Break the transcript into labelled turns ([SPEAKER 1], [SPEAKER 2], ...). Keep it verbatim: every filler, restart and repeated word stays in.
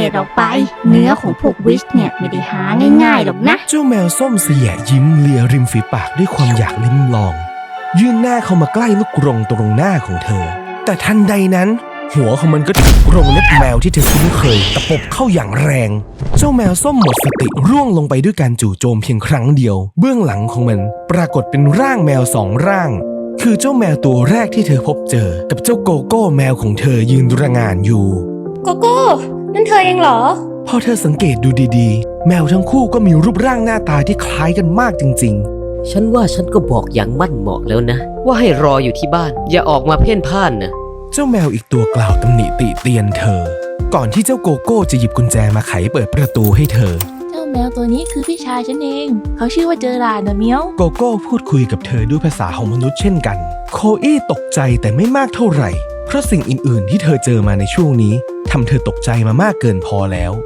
[SPEAKER 1] ษออกไปเนื้อของพวกวิชเนี่ยไม่ได้หาง่ายๆหรอกนะ
[SPEAKER 2] เจ้าแมวส้มเสียยิ้มเลียริมฝีปากด้วยความอยากลิ้มลองยื่นหน้าเข้ามาใกล้ลูกกรงตรงหน้าของเธอแต่ทันใดนั้นหัวของมันก็ถูกกรงเล็บแมวที่เธอคุ้นเคยตะปบเข้าอย่างแรงเจ้าแมวส้มหมดสติร่วงลงไปด้วยการจู่โจมเพียงครั้งเดียวเบื้องหลังของมันปรากฏเป็นร่างแมวสองร่างคือเจ้าแมวตัวแรกที่เธอพบเจอกับเจ้าโกโก้แมวของเธอยืนระงานอยู่
[SPEAKER 3] โกโก้นั่นเธอเองเหรอ
[SPEAKER 2] พอเธอสังเกตดูดีๆแมวทั้งคู่ก็มีรูปร่างหน้าตาที่คล้ายกันมากจริง
[SPEAKER 4] ๆฉันว่าฉันก็บอกอย่างมั่นเหมาะแล้วนะว่าให้รออยู่ที่บ้านอย่าออกมาเพ่นพ่านนะ
[SPEAKER 2] เจ้าแมวอีกตัวกล่าวตำหนิติเตียนเธอก่อนที่เจ้าโกโก้จะหยิบกุญแจมาไขเปิดประตูให้เธอ
[SPEAKER 5] เจ้าแมวตัวนี้คือพี่ชายฉันเองเขาชื่อว่าเจอราร์ดนะเมียว
[SPEAKER 2] โกโก้พูดคุยกับเธอด้วยภาษาของมนุษย์เช่นกันโคอี้ตกใจแต่ไม่มากเท่าไหร่เพราะสิ่งอื่นๆที่เธอเจอมาในช่วงนี้ทำเธอตกใจมามากเกินพอแล้ว